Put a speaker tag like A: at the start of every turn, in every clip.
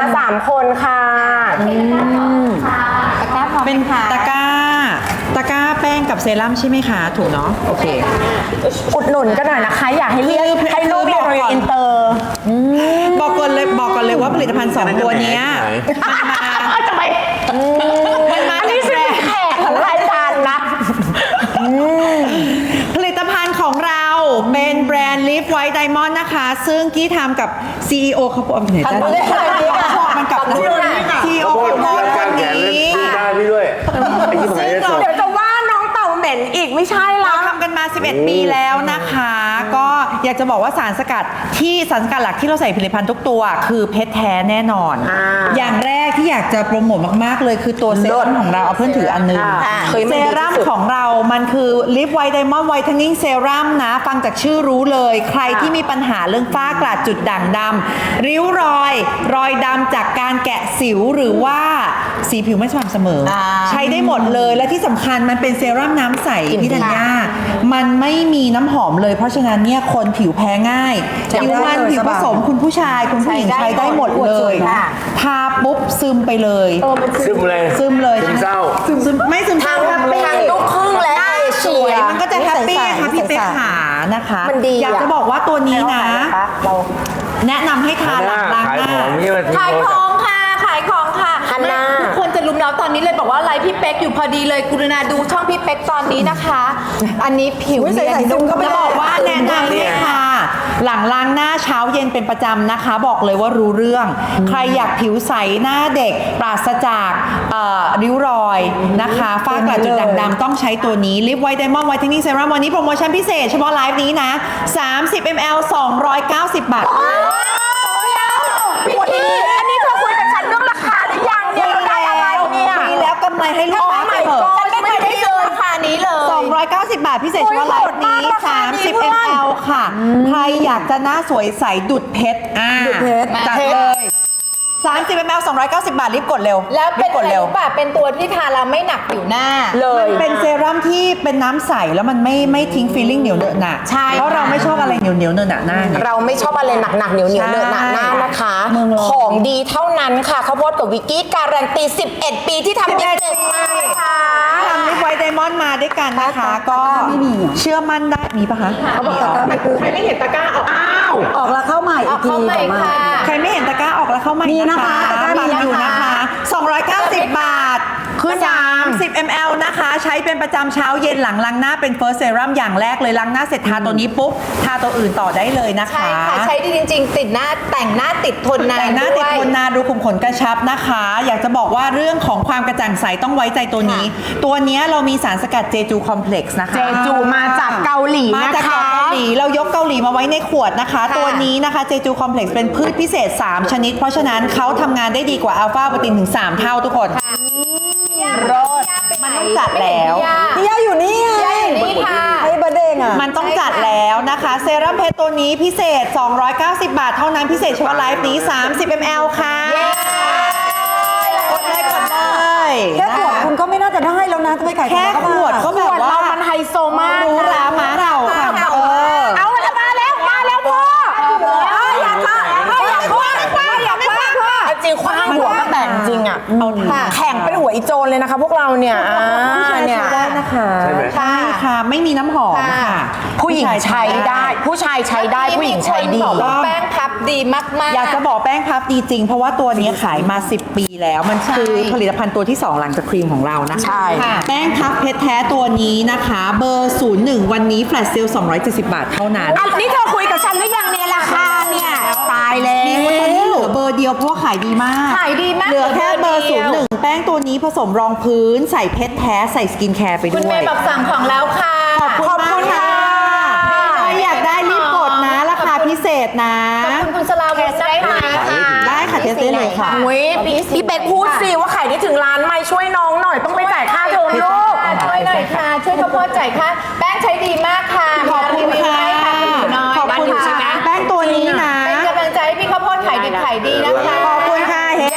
A: 3 คนค่ะ
B: เป็นตะกร้าแป้งกับเซรั่มใช่ไหมคะถูกเนาะโอเค
A: อุดหนุนกันหน่อยนะคะอยากให้เรียกให้ลูกเรียนอินเตอร์
B: บอกก่อนเลยว่าผลิตภัณฑ์2ตัวนี้มันมา
A: อันนี้คือแขกของรายการนะ
B: ผลิตภัณฑ์ของเราเป็นแบรนด์ Live White Diamond นะคะซึ่งกี้ทำกับ CEO เขาบอกไหนจ้ะมันกับ CEO ของคนนี้
A: เดี๋ยวจะว่าน้องเต่าเหม็นอีกไม่ใช่ละ
B: ทำกันมา11 ปีแล้วนะคะก็อยากจะบอกว่าสารสกัดหลักที่เราใส่ผลิตภัณฑ์ทุกตัวคือเพชรแท้แน่นอนอย่างแรกที่อยากจะโปรโมทมากๆเลยคือตัวเซรั่มของเราเอาเพื่อนถืออันนึงเซรั่มของเรามันคือ Live White Diamond Whitening Serum นะฟังจากชื่อรู้เลยใครที่มีปัญหาเรื่องฝ้ากระจุดด่างดำริ้วรอยดำจากการแกะสิวหรือว่าสีผิวไม่สม่ำเสมอใช้ได้หมดเลยและที่สำคัญมันเป็นเซรั่มน้ำใสพี่ธัญญามันไม่มีน้ำหอมเลยเพราะฉะนั้นเนี่ยคนผิวแพ้ง่ายผิวมันผิวผสมคุณผู้ชายคุณผู้หญิงใช้ได้หมดเลยทาปุ๊บซึมไปเลย
C: ซึมเลยซึมเศร้า
B: ไม่ซึมเศร้า
A: ทางลูกครึ่งและ
B: สวยมันก็จะแฮปปี้ค่ะพี่เป๊กขานะคะอยากจะบอกว่าตัวนี้นะแนะนำให้ทานหลังล้างหน้า
D: ขายของค่ะทุกคนจะรุมเราตอนนี้เลยบอกว่าไลฟ์พี่เป๊กอยู่พอดีเลยกรุณาดูช่องพี่เป๊กตอนนี้นะคะอันนี้ผิวเนียนนุ่มก็
B: จะบอกว่าแนะนำเลยค่ะหลังล้างหน้าเช้าเย็นเป็นประจำนะคะบอกเลยว่ารู้เรื่องใครอยากผิวใสหน้าเด็กปราศจากริ้วรอยนะคะฝ้ากระจุดด่างดำต้องใช้ตัวนี้ Live White Diamond Whitening Serum วันนี้โปรโมชั่นพิเศษเฉพาะไลฟ์นี้นะ30 ml 290 บาท
A: อันนี้เธอคุยกับฉันเรื่องราคาหรือยังเนี่ยได้อะไรเนี่ย
B: มีแล้วกำไรให้ลูกค้าไปเถอะ
D: ฉันไม่เคยได้เจอราคานี้เลย
B: 290 บาทพิเศษเฉพาะไลฟ์นี้30 ml ค่ะใครอยากจะหน้าสวยใสดุดเพชรจัดเลย30 ml 290 บาทรีบกดเร็ว
D: แล้วเป็นกดเร็วแบบเป็นตัวที่ทาแล้วไม่หนักผิวหน้า
B: เลยเป็นเซรั่มที่เป็นน้ำใสแล้วมันไม่ทิ้งฟีลลิ่งเหนียวเหนอะหนะเพราะเราไม่ชอบอะไรเหนียวเหนอะหนะหน้า
A: เราไม่ชอบอะไรหนักเหนียวเหนอะหนะหน้านะคะของดีเท่านั้นค่ะข้าวโพดกับวิกกี้การันตี11 ปีที่ทำดีเด็ดมากเลยค่ะ
B: ทำLive White Diamondมาด้วยกันนะคะก็เชื่อมั่นได้มีปะคะ
A: เขาบอกตะกร้าไม่คือใครไม่เห็นตะกร้า
B: ออกแล้วเข้าใหม่อีกทีใครไม่เห็นตะกร้าออกแล้วเข้าใหม่นะคะบัตรอยู่นะคะ290 บาทคือ30 ml นะคะใช้เป็นประจำเช้าเย็นหลังล้างหน้าเป็น First Serum อย่างแรกเลยล้างหน้าเสร็จทาตัวนี้ปุ๊บทาตัวอื่นต่อได้เลยนะคะ
D: ใช่ค่ะใช้ดีจริงๆติดหน้าแต่งหน้าติดทนนาน
B: แต่งหน้าติดทนนานดูขุมขนกระชับนะคะอยากจะบอกว่าเรื่องของความกระจ่างใสต้องไว้ใจตัวนี้ตัวนี้เรามีสารสกัดเจจูคอมเพล็กซ์นะคะ
A: เจจูมาจากเกาหลี
B: มาจากเกาหลีเรายกเกาหลีมาไว้ในขวดนะคะตัวนี้นะคะเจจูคอมเพล็กซ์เป็นพืชพิเศษ3ชนิดเพราะฉะนั้นเขาทำงานได้ดีกว่าอัลฟาโปรตีนถึง3เท่าทุกคน
D: รส
B: มันต้องจัดแล้ว
A: พี่ย่าอยู่นี่ไง
D: นี่ค่ะ
A: ให้บะเด้งอ่ะ
B: มันต้องจัดแล้วนะคะเซรั่มเพชรตัวนี้พิเศษ290 บาทเท่านั้นพิเศษเฉพาะไลฟ์นี้30 ml ค่ะกดเลย
A: แค่ขวดคุณก็ไม่น่าจะได้แล้วนะจะไปขาย
B: แค่ขวดก็แบบว่า
A: มันไฮโซมาก
B: รู้รามาเราค่ะ
A: เอาละมาแล้วพ่ออยากค่ะอยากจริงคว้างหัวก็แต่งจริงอ่ะแข่งเป็นหัวอีโจนเลยนะคะพวกเราเนี่ย
B: เนี่ยได้นะคะใช่ค่ะไม่มีน้ำหอมค่ะ
A: ผู้หญิงใช้ได้ผู้ชายใช้ได้ผู้หญิงใช้ดี
D: แป้งพับดีมากๆ
B: อยากจะบอกแป้งพับดีจริงเพราะว่าตัวนี้ขายมา10 ปีแล้วมันคือผลิตภัณฑ์ตัวที่2หลังจากครีมของเรานะคะ
A: ใช่
B: แป้งพับเพชรแท้ตัวนี้นะคะเบอร์01วันนี้แฟลชเซล270 บาทเท่านั้น
A: อันนี้เธอคุยกับฉันหรือยังเนี่ยราคาเนี่ยตายแล้ว
B: มีวันนี้เหลือเบอร์เดียวเพราะว่าขายดีมากเหลือแค่เบอร์01แป้งตัวนี้ผสมรองพื้นใส่เพชรแท้ใส่สกินแคร์ไปด้วย
D: คุณเมย์แบบสั่งของแล้วค่ะ
B: ขอบคุณค่ะอยากได้รีบกดนะราคาพิเศษนะ
D: ขอบคุณสลาวุธได้ไหม
B: ได้ค่ะเทสได้เลยค่ะ
A: พี่เป็ดพูดสิว่าขายได้ถึงล้านไหมช่วยน้องหน่อยต้องไปจ่ายค่าเทอมลูก
D: ช่วยหน่อยค่ะช่วยข้าวโพดจ่ายค่าแป้งใช้ดีมากค่ะ
B: ขอบคุณค่ะขอบคุณค่ะแป้งตัวนี้นะ
D: เป็นกำลังใจให้พี่ข้าวโพดขายดีนะคะ
B: ขอบคุณค่ะเฮ้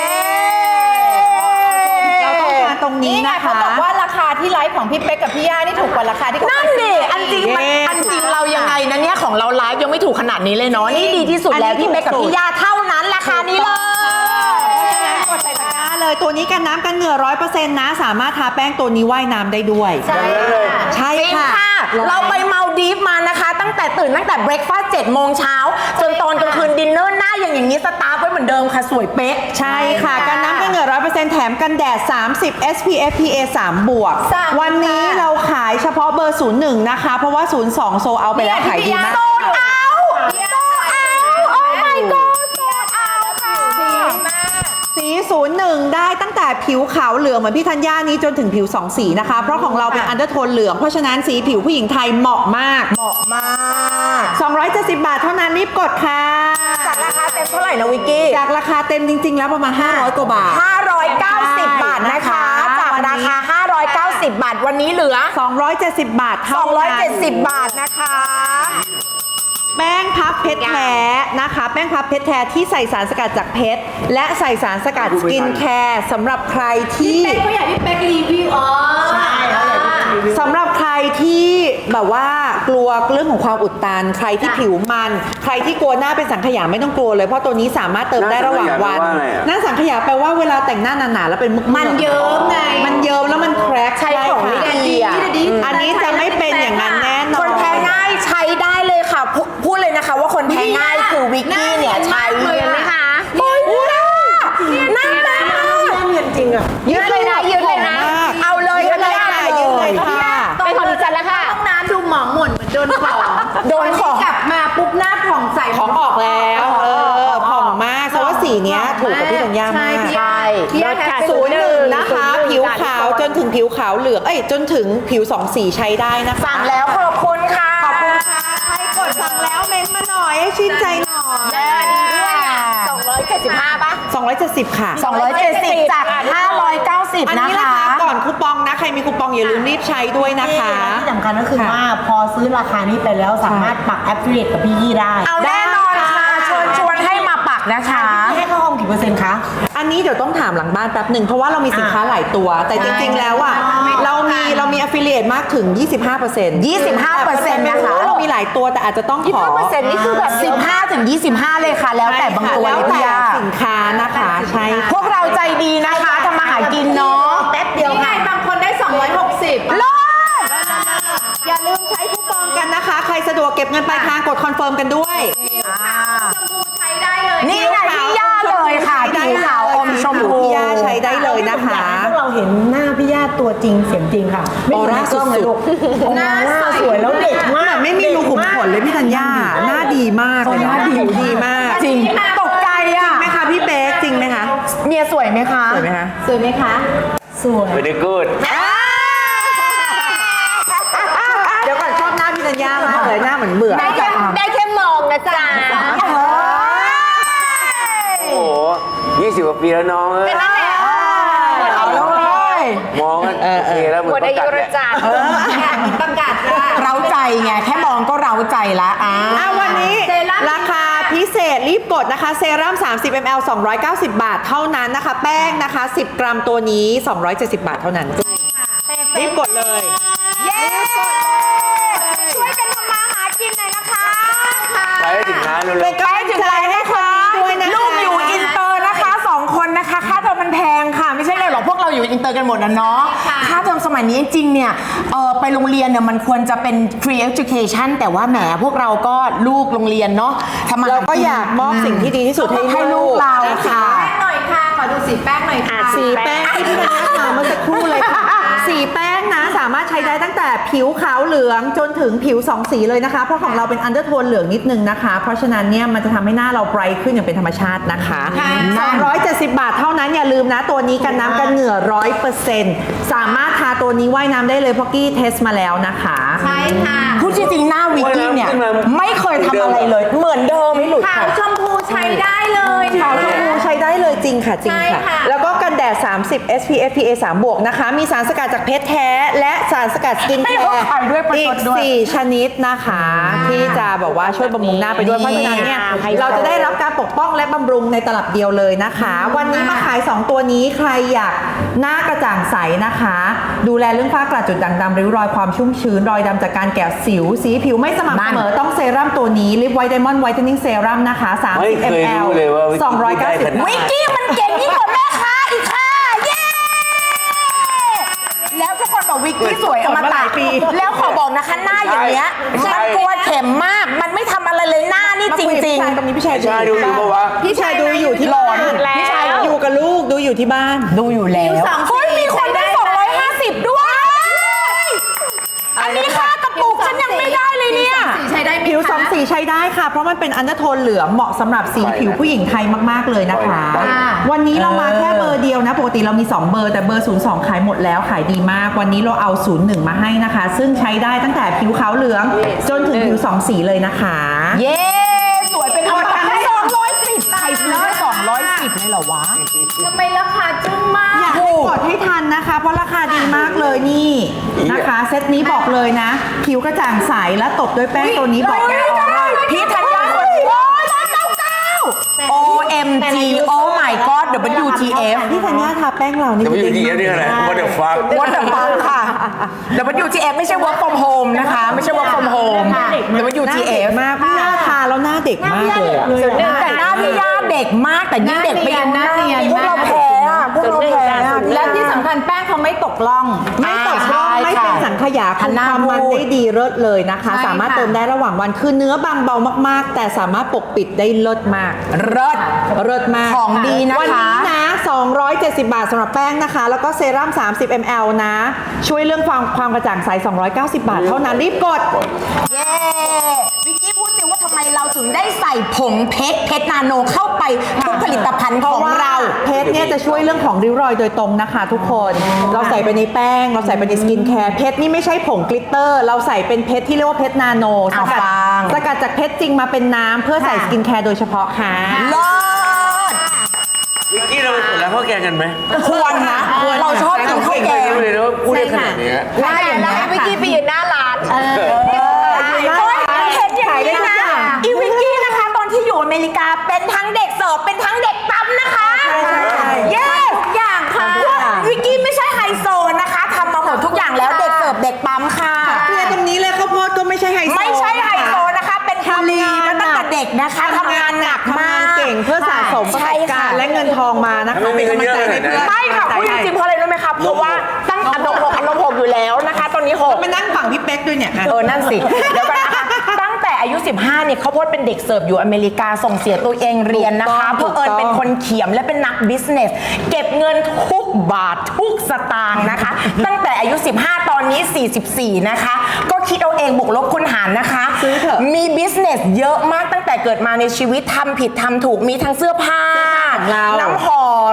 B: เราต้องการตรงนี้นะคะ
D: เขาบอกว่าราคาที่ไลฟ์ของพี่เป๊กกับพี่ย่านี่ถูกกว่าราคาที่
A: นั่นดิอันจริงเรายังไงนะเนี่ยของเราไลฟ์ยังไม่ถูกขนาดนี้เลยเนาะนี่ดีที่สุดแล้วพี่เป๊กกับพี่ย่าเท่านั้นราคานี้เลย
B: ตัวนี้กันน้ำกันเหงื่อ 100% นะ สามารถทาแป้งตัวนี้ว่ายน้ำได้ด้วย
D: ใช่ค่ะ
B: ใช่
A: จริง
B: ค่ะ
A: ค่ะ เราไปเมาดีฟมานะคะ ตั้งแต่เบรกฟาสต์7 โมงเช้าจนตอนกลางคืนดินเนอร์หน้าอย่างนี้สตาร์ฟไว้เหมือนเดิมค่ะ สวยเป๊ะ
B: ใช่ค่ะ กันน้ำกันเหงื่อ 100% แถมกันแดด 30 SPF PA 3 บวก วันนี้เราขายเฉพาะเบอร์ 01 นะคะ เพราะว่า 02 โซเอาไปแล้วขายดีมาก
A: โซลเอาโอ้ my god โซลเอาค่ะ
B: สี 01 ได้ตั้งแต่ผิวขาวเหลืองเหมือนพี่ธัญญานี้จนถึงผิว 2 สีนะคะ เพราะของเราเป็นอันเดอร์โทนเหลือง เพราะฉะนั้นสีผิวผู้หญิงไทยเหมาะมาก
A: เหมาะมาก
B: 270 บาทเท่านั้นรีบกดค่ะ
A: จากราคาเต็มเท่าไหร่นะวิกกี้
B: จากราคาเต็มจริง ๆ แล้วประมาณ 500 กว่าบาท
A: 590 บาทนะคะ จากราคา 590 บาทวันนี้เหลือ
B: 270 บาทเท่านั้น
A: 270 บาทนะคะ
B: แป้งพับเพชรแท้นะคะ แป้งพับเพชรแท้ที่ใส่สารสกัดจากเพชรและใส่สารสกัดสกินแคร์สำหรับใครที่
D: เป๊กเขาอยากพี่เป๊กรีวิวอ๋อใช่เขาอยากพี่เป๊กรีวิว
B: สำหรับใครที่แบบว่ากลัวเรื่องของความอุดตัน ใครที่ผิวมัน ใครที่กลัวหน้าเป็นสังขยาไม่ต้องกลัวเลยเพราะตัวนี้สามารถเติมได้ระหว่างวันหน้าสังขยาแปลว่าเวลาแต่งหน้าหนาๆแล้วเป็นมึกๆ
D: มันเยิ้มไง
B: มันเยิ้มแล้วมันแครก
A: ใช้ของไม่ดีอ่ะ
B: อันนี้จะไม่เป็นอย่างนั้นแน่นอน
A: คนแพ้ง่ายใช้ได้เลยค่ะ พูดเลยนะคะว่าคนแพ้ง่ายคือวิกกี้เนี่ยใช้เลยนะคะโอ้ยหน้าแม่มากเนียนจริงอ่ะ
D: ยืดเลยนะยืดเลยนะ
A: เอาเลย
B: ยืดเลยค่ะยืดเลยค่ะ
D: เป็นของดิฉันแล้วค่ะห้องน้ำดูหมองหม่นเหมือนโดนของ
A: โดนของ
D: กลับมาปุ๊บหน้าผ่องใส
B: ของออกแล้วผ่องมากเพราะว่าสีเนี้ยถูกกับพี่ธัญญามาก
A: ใช่
D: พี่ยาแคป
B: 01 นะคะ ผิวขาวจนถึงผิวขาวเหลืองจนถึงผิว2สีใช้ได้นะคะ
A: สั่งแล้วขอบคุณค่ะ
B: ขอบคุณค่ะใครกดสั่งแล้วเม้นต์มาหน่อยให้ชื่นใจหน่อย
A: แม่ดีด้วยอ่ะ275ป่ะ
B: 270 ค่ะ
A: 270 จาก 590
B: อัน
A: นะ
B: นี้รา
A: คะ
B: คาก่อนคูปองนะ ใครมีคูปองอย่าลืมรีบใช้ด้วยนะคะ
E: ที่สำคัญก็คือว่าพอซื้อราคานี้ไปแล้วสามารถปักแอปเฟิลกับพี่ยี่ได้
A: เอาแน่นอนค่ะชวนให้มาปักนะคะ
E: ให้เข้าห้องกี่เปอร์เซ็นต์คะ
B: อันนี้เดี๋ยวต้องถามหลังบ้านแป๊บหนึ่งเพราะว่าเรามีสินค้าหลายตัว แต่จริงๆแล้วอ่ะเรามี affiliate มากถึง 25%
A: 25%
B: นะคะ เรามีหลายตัวแต่อาจจะต้องขอ
A: 25%นี่คือแบบ15 ถึง 25 เลยค่ะ แล้วแต่บางตัว
B: แล้ว
A: เลย
B: แต่
A: พี่ยา
B: สินค้านะคะใช่ค่ะ
A: พวกเราใจดีนะคะทำมาหากินเนาะ
E: แป๊บเดียว
D: นี่ไง
E: ค่ะ
D: บางคนได้ 260
A: เลิศ
B: อย่าลืมใช้คูปองกันนะคะ ใครสะดวกเก็บเงินปลายทางกดคอนเฟิร์มกันด้วย
D: ชมพูใช้ได้เลย
A: นี่ไงพี่ย่าเลยค่ะผิวขาวอมชมพู
B: พี่ย่าใช้ได้เลยนะคะ
E: พวกเราเห็นหน้าพี่ย่าตัวจริงเสียงจริงค่ะ ไม่
B: ออ
E: เหมือน
B: ร่า
E: ในกล้องเลย
B: สุ
E: ลู
B: ด
E: กหน้าสวยแล้วเด็กมาก
B: ไม่มีรูขุมขนเลยพี่ธัญญาหน้าดีมากเลยนะผิวดีมาก
A: จริงตกใจอ่ะ
B: ไหมคะพี่เป๊กจริงไหมคะ
A: เมียสวยไหมคะ
B: สวยไหมคะ
D: สวยไหมคะ
E: สวย
C: ไม่ได้กูด
B: เดี๋ยวก่อนชอบหน้าพี่ธัญญามากเลยหน้าเหมือนเบื่อ
A: ได้แค่มองนะจ๊ะ
C: โอ้โห20 กว่าปีแล้วน้องเอ้ย
A: เอาแล้วเลย
C: มองกันโอเคแล้วเหมือนประกาศแหละ
D: ประกาศค่ะ
A: เราใจไงแค่มองก็เราใจละ
B: วันนี้
D: เซรั่ม
B: ราคาพิเศษรีบกดนะคะ เซรั่ม 30 ml 290 บาทเท่านั้นนะคะ แป้งนะคะ 10 กรัมตัวนี้ 270 บาทเท่านั้น รีบกดเลย
A: เย้ช่วยกันทำมาหากินหน่อยนะคะ
C: ใช้สินค้าเร็ว
A: ใกล้ถึงแล้วนะคะ
B: ด้วยนะคะ
A: ลูกอยู่อินเตอร์นะคะ2 คนนะคะค่าเทอมมันแพงค่ะ ไม่ใช่เลยหรอกพวกเราอยู่อินเตอร์กันหมดนะเนาะค่าเทอมสมัยนี้จริงๆเนี่ยไปโรงเรียนเนี่ยมันควรจะเป็น free education แต่ว่าแหมพวกเราก็ลูกโรงเรียนเนาะทำมาห
B: เราก็อยากมอบสิ่งที่ดีที่สุดให้
A: ลูกเรา
B: นะคะ
A: ค่ะ
D: แป้งหน่อยค่ะ ขอดูสีแป้งหน่อยค่ะ
B: สีแป้งที่พี่ธัญญาทาเมื่อสักครู่เลยค่ะ สีแป้งนะสามารถใช้ได้ตั้งแต่ผิวขาวเหลืองจนถึงผิว2สีเลยนะคะ เพราะของเราเป็นอันเดอร์โทนเหลืองนิดนึงนะคะ เพราะฉะนั้นเนี่ยมันจะทำให้หน้าเราไบรท์ขึ้นอย่างเป็นธรรมชาตินะคะ270 บาทเท่านั้นอย่าลืมนะตัวนี้กันน้ำกันเหงื่อ 100% สามารถทาตัวนี้ว่ายน้ำได้เลยเพราะกี้เทสมาแล้วนะคะ
D: ใช่ค่ะ
A: พูดจริงๆหน้าวิกกี้เนี่ยไม่เคยทำอะไรเลย เหมือนเดิมไม่หลุด
D: ขาว
A: ค่ะ
D: ชมพูใช้ได้เลย
B: ขาวชมพูใช้ได้เลยจริงค่ะจริง
D: ใช่
B: ค่ะ
D: ค่ะ
B: แล้วก็กันแดด 30 SPF PA 3 บวกนะคะ มีสารสกัดจากเพชรแท้ และสารสกัดสกินแค
A: ให้เขา
B: ร์
A: ขายด้วยประ
B: อี
A: ช
B: ก
A: ดด้วย
B: 4 ชนิดนะคะ ที่จะบอกว่าช่วยบำรุงหน้าไปด้วย เพราะฉะนั้นเนี่ยเราจะได้รับการปกป้องและบำรุงในตลับเดียวเลยนะคะ วันนี้มาขาย 2 ตัวนี้ใครอยากหน้ากระจ่างใสนะคะ ดูแลเรื่องฝ้ากระจุดด่างดำริ้วรอยความชุ่มชื้นรอยดำจากการแกะสิวสีผิวไม่สม่ำเสมอต้องเซรั่มตัวนี้ลิปไวท์ไดมอนด์ไวท์เทนนิ่งเซรั่มนะคะ
C: ไม่
B: 30
C: เคย
B: ml
C: รู้เลยว่าวิกกี้ได้ขนาด
B: 290
A: วิกกี้มันเก่งยิ่งกว่าแม่ค้าอีกค่ะแต่วิกกี้สวยอม
B: มาห
A: ตะ
B: ลายปี
A: แล้วขอบอกนะคะหน้าอย่างเงี้ย
C: ใช่
A: มันกลัวเข็มมาก มันไม่ทำอะไรเลยหน้านี่จริง
B: ตรงนี้พี่ชาย
C: ใช่ดูอยู่ปะวะ
B: พี่ชายดูอยู่ที่บ้าน
A: แล้ว
B: พี่ชายอยู่กับลูกดูอยู่ที่บ้าน
A: ๆ ดูอยู่แล้ว
D: สองสี
A: เฮ้ยมีคนได้250 ด้วย อันนี้ค่ากระปุกฉันยังไม่ได้เลยเนี่ย
D: สีใช้ได้ไหมคะ
B: ผิวสองสีใช้ได้ค่ะ เพราะมันเป็นอันเดอร์โทนเหลืองเหมาะสำหรับสีผิวผู้หญิงไทยมากๆเลยนะคะ วันนี้เรามาแค่เบอร์เดียวนะ ปกติเรามี 2 เบอร์แต่เบอร์ 02 ขายหมดแล้วขายดีมาก วันนี้เราเอา 01 มาให้นะคะ ซึ่งใช้ได้ตั้งแต่ผิวขาวเหลือง จนถึงผิว 2 สีเลยนะคะ
A: เย้สวยเป็นคน210ใครซื้อได้210เลยเหรอวะ
D: ทำไมราคาจึ้งมาก
B: อยากให้กดให้ทันนะคะ เพราะราคาดีมากเลยนี่นะคะ เซตนี้บอกเลยนะ ผิวกระจ่างใสและตบด้วยแป้งตัวนี้บอกได้ออร่า
A: พี่ธัญญาคนโอ้ย199 OMG Oh my God WTF
B: พี่ธัญญาทาแป้งเรานี่
C: จะไปอยู่ที่นี่อะไร What the fuck
A: What the fuck ค่ะ WTF ไม่ใช่ work from home นะคะ ไม่ใช่ work from home
B: หน้าเด็
A: WTF
B: กมากพี่ย่าทาแล้วหน้าเด็กมากเลยอะ
A: แต่หน้าพี่ย่าเด็กมากแต่ยิ่งเด็กไปยิ่ง
D: หน้าเนียน
A: พวกเราแพ้อะพวกเราแพ้อะ
D: และที่สำคัญแป้งเขาไม่ตกล่อง
B: ไม่ตกร่องไม่เป็นสังขยา
A: หั
B: คุ
A: น
B: ม
A: หน้า
B: ความมัน
A: พูด
B: ได้ดีเลิศเลยนะคะ
D: ใช่
B: สามารถ
D: ค่ะ
B: เติมได้ระหว่างวันคือเนื้อบางเบามากๆ แต่สามารถปกปิดได้เลิศมาก
A: เลิศ
B: เลิศมาก
A: ของดีนะคะ
B: วันนี้นะ 270 บาทสำหรับแป้งนะคะ แล้วก็เซรั่ม 30 ml นะ ช่วยเรื่องความกระจ่างใส 290 บาท เท่านั้นรีบกด
A: เย้วิกกี้พูดสิว่าทำไมเราถึงได้ใส่ผงเพชรนาโนเข้าไปทุกผลิตภัณฑ์ของเรา
B: เพชรเนี่ยจะช่วยเรื่องของริ้วรอยโดยตรงนะคะทุกคน เราใส่ไปในแป้ง เราใส่ไปในสกินแคร์เพชรนี่ไม่ใช่ผงกลิตเตอร์ เราใส่เป็นเพชรที่เรียกว่าเพชรนาโนสกัด
A: ฟัง
B: สกัดจากเพชรจริงมาเป็นน้ำเพื่อใส่สกินแคร์โดยเฉพาะค่ะ
A: เลิศ
C: วิกกี้เราไปกดแล้วข้าวแกงกันไหม
A: ควรนะเราชอบกินข้าวแกง
C: ไม่รู้เลยนะว่าพูดได้ขนาดนี้
A: หน้าอย่างนี้ย
D: วิกกี้ไปยืนหน้าร้าน
A: เห็นอย่างนี้นะอีวิกกี้นะคะ ตอนที่อยู่อเมริกาเป็นทั้งเด็กเสิร์ฟเป็นทั้งเด็กปั๊มนะคะเย้ทุกอย่างค่ะวิกกี้ไม่ใช่ไฮโซนะคะทำมาหมดทุกอย่างแล้วเด็กเสิร์ฟเด็กปั๊มค่ะ
B: เรียนตรงนี้เลยข้าวโพดก็ไม่ใช่ไฮโซ
A: ไม่ใช่ไฮโซนะคะ เป็นคุลีมาตั้งแต่เด็กนะคะทำงานหนักมาก
B: เก่งเพื่อสะสมประส
A: ใช่
B: บ
A: ค่ะ
B: การณ์และเงินทองมานะคะ
C: ไม่มีเงินเยอะ
B: ป็กำลังใจให้
C: เลยนะ
B: เพื่อน
A: ไม่ค่ะพูดจริงๆเพราะอะไรรู้ไหมคะเพราะว่าตั้งอันดับ6อยู่แล้วนะคะ ตอนนี้6
B: มานั่งฝั่งพี่เป๊กด้วยเนี่ย
A: นั่นสิเดี๋ยวก่อนนะคะตั้งแต่อายุ 15เนี่ยเขาวโพดเป็นเด็กเสิร์ฟอยู่อเมริกาส่งเสียตัวเองเรียนนะคะ
B: ถู
A: เพื่อก
B: ต้อง
A: เอิญเป็นคนเขียมและเป็นนักบิสเนสเก็บเงินทุกบาททุกสตางค์นะคะ ตั้งแต่อายุ 15 ตอนนี้ 44 นะคะ ก็คิดเอาเองบวกลบคูณหารนะคะ
B: ซื้อเถอะ
A: มีบิสเนสเยอะมากตั้งแต่เกิดมาในชีวิตทำผิดทำถูกมีทั้งเสื้อผ้า
B: ของเรา